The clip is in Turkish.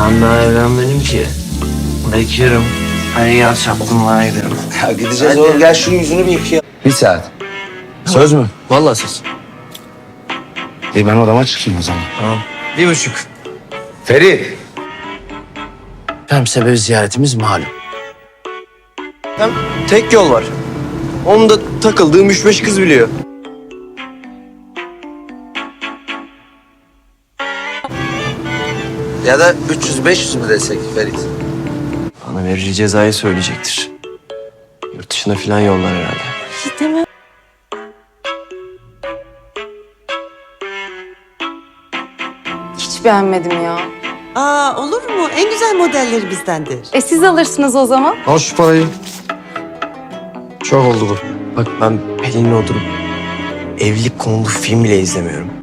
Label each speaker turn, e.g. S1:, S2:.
S1: Ben daha evlenmedim ki. Bekir'im. Her yaz çapkınlığa giderim.
S2: Ya gideceğiz oğlum. Gel şu yüzünü bir yıkayalım. Bir saat. Söz mü?
S1: Vallahi söz.
S2: Ben odama çıkayım o zaman.
S1: Tamam. 1,5.
S2: Ferit.
S1: Hem sebebi ziyaretimiz malum. Hem tek yol var. Onun da takıldığım 3-5 kız biliyor.
S2: Ya da 300-500 mü desek Ferit?
S1: Bana vereceği cezayı söyleyecektir. Yurt dışına falan yollar herhalde.
S3: Hiç beğenmedim ya.
S4: Aa, olur mu? En güzel modelleri bizdendir.
S3: Siz alırsınız o zaman.
S2: Al şu parayı. Çok oldu bu.
S1: Bak ben Pelin'le oturup evlilik konulu film bile izlemiyorum.